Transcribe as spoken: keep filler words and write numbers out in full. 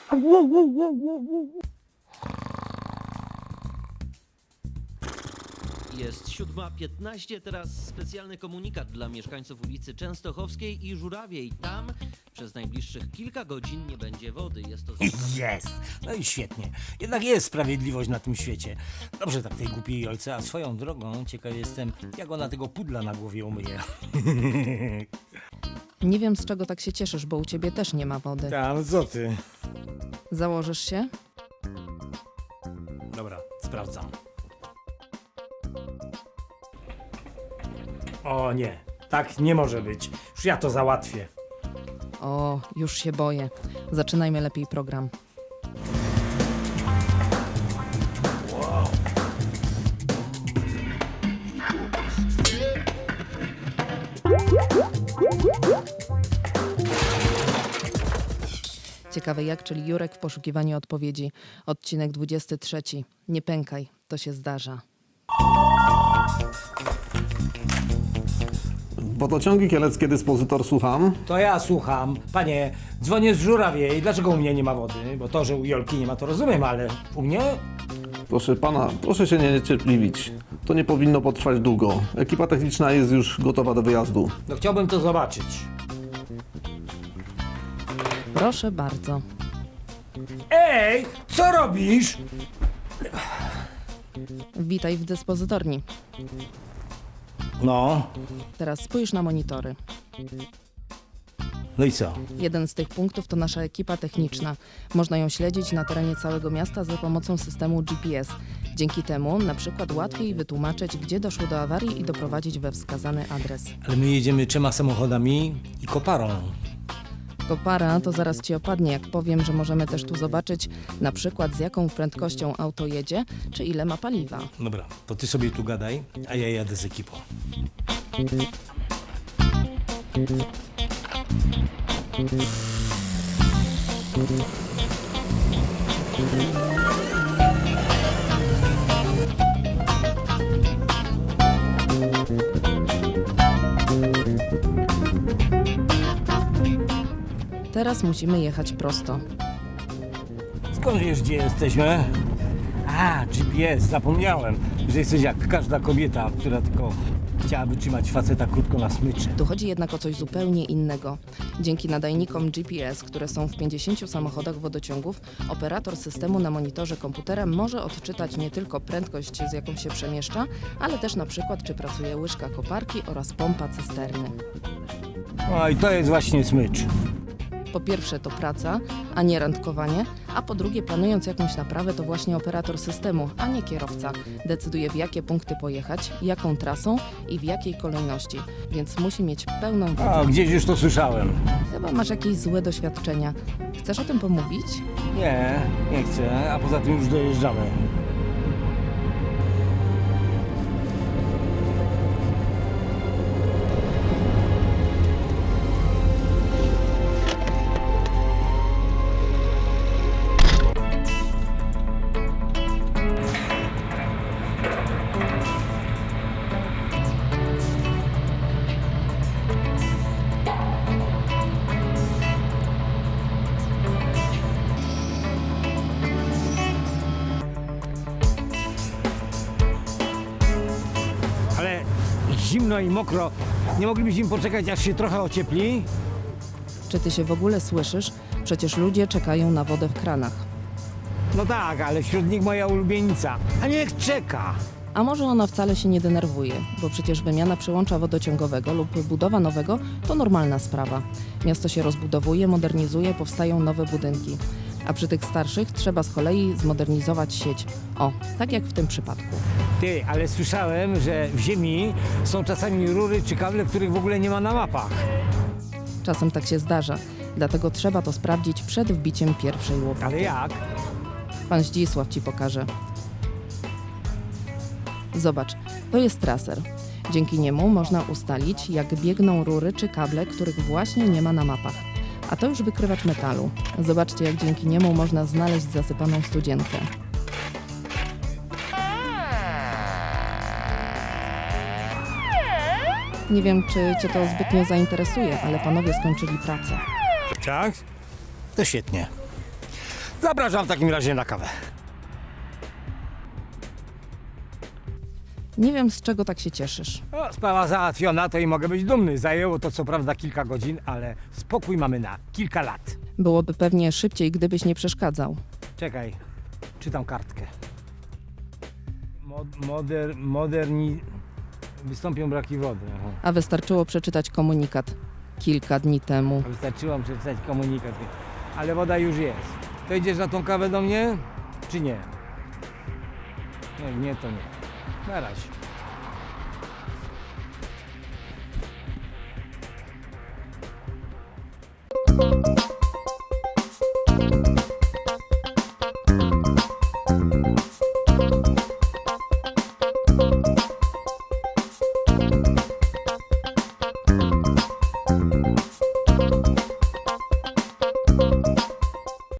Jest siódma piętnaście, teraz specjalny komunikat dla mieszkańców ulicy Częstochowskiej i Żurawiej. Tam przez najbliższych kilka godzin nie będzie wody. Jest to... Jest! No i świetnie. Jednak jest sprawiedliwość na tym świecie. Dobrze tak tej głupiej Jolce, a swoją drogą ciekaw jestem, jak ona tego pudla na głowie umyje. Nie wiem, z czego tak się cieszysz, bo u ciebie też nie ma wody. Ta, no co ty? Założysz się? Dobra, sprawdzam. O nie, tak nie może być. Już ja to załatwię. O, już się boję. Zaczynajmy lepiej program. Ciekawe jak, czyli Jurek w poszukiwaniu odpowiedzi. Odcinek dwudziesty trzeci. Nie pękaj, to się zdarza. Wodociągi kieleckie, dyspozytor, słucham. To ja słucham. Panie, dzwonię z Żurawiej. Dlaczego u mnie nie ma wody? Bo to, że u Jolki nie ma, to rozumiem, ale u mnie? Proszę pana, proszę się nie niecierpliwić. To nie powinno potrwać długo. Ekipa techniczna jest już gotowa do wyjazdu. No chciałbym to zobaczyć. Proszę bardzo. Ej, co robisz? Witaj w dyspozytorni. No, Teraz spójrz na monitory. no i co? Jeden z tych punktów to nasza ekipa techniczna. Można ją śledzić na terenie całego miasta za pomocą systemu G P S. Dzięki temu na przykład łatwiej wytłumaczyć, gdzie doszło do awarii i doprowadzić we wskazany adres. Ale my jedziemy trzema samochodami i koparą. Kopara to zaraz ci opadnie, jak powiem, że możemy też tu zobaczyć na przykład z jaką prędkością auto jedzie, czy ile ma paliwa. Dobra, to ty sobie tu gadaj, a ja jadę z ekipą. Teraz musimy jechać prosto. Skąd wiesz, gdzie jesteśmy? A, G P S, zapomniałem, że jesteś jak każda kobieta, która tylko chciałaby trzymać faceta krótko na smyczy. Tu chodzi jednak o coś zupełnie innego. Dzięki nadajnikom G P S, które są w pięćdziesięciu samochodach wodociągów, operator systemu na monitorze komputera może odczytać nie tylko prędkość, z jaką się przemieszcza, ale też na przykład, czy pracuje łyżka koparki oraz pompa cysterny. No i to jest właśnie smycz. Po pierwsze to praca, a nie randkowanie, a po drugie planując jakąś naprawę to właśnie operator systemu, a nie kierowca. Decyduje w jakie punkty pojechać, jaką trasą i w jakiej kolejności, więc musi mieć pełną wiedzę. A, gdzieś już to słyszałem. Chyba masz jakieś złe doświadczenia. Chcesz o tym pomówić? Nie, nie chcę, a poza tym już dojeżdżamy. Ale zimno i mokro. Nie moglibyśmy poczekać, aż się trochę ociepli? Czy ty się w ogóle słyszysz? Przecież ludzie czekają na wodę w kranach. No tak, ale wśród nich moja ulubienica. A niech czeka! A może ona wcale się nie denerwuje, bo przecież wymiana przełącza wodociągowego lub budowa nowego to normalna sprawa. Miasto się rozbudowuje, modernizuje, powstają nowe budynki. A przy tych starszych trzeba z kolei zmodernizować sieć. O, tak jak w tym przypadku. Ty, ale słyszałem, że w ziemi są czasami rury czy kable, których w ogóle nie ma na mapach. Czasem tak się zdarza, dlatego trzeba to sprawdzić przed wbiciem pierwszej łopaty. Ale jak? Pan Zdzisław ci pokaże. Zobacz, to jest traser. Dzięki niemu można ustalić, jak biegną rury czy kable, których właśnie nie ma na mapach. A to już wykrywacz metalu. Zobaczcie, jak dzięki niemu można znaleźć zasypaną studzienkę. Nie wiem, czy cię to zbytnio zainteresuje, ale panowie skończyli pracę. Tak? To świetnie. Zapraszam w takim razie na kawę. Nie wiem, z czego tak się cieszysz. O, sprawa załatwiona, to i mogę być dumny. Zajęło to co prawda kilka godzin, ale spokój mamy na kilka lat. Byłoby pewnie szybciej, gdybyś nie przeszkadzał. Czekaj, czytam kartkę. Mod, moder, moderni... Wystąpią braki wody. Aha. A wystarczyło przeczytać komunikat kilka dni temu. Wystarczyło przeczytać komunikat. Ale woda już jest. To idziesz na tą kawę do mnie, czy nie? Nie, nie, to nie. Na razie.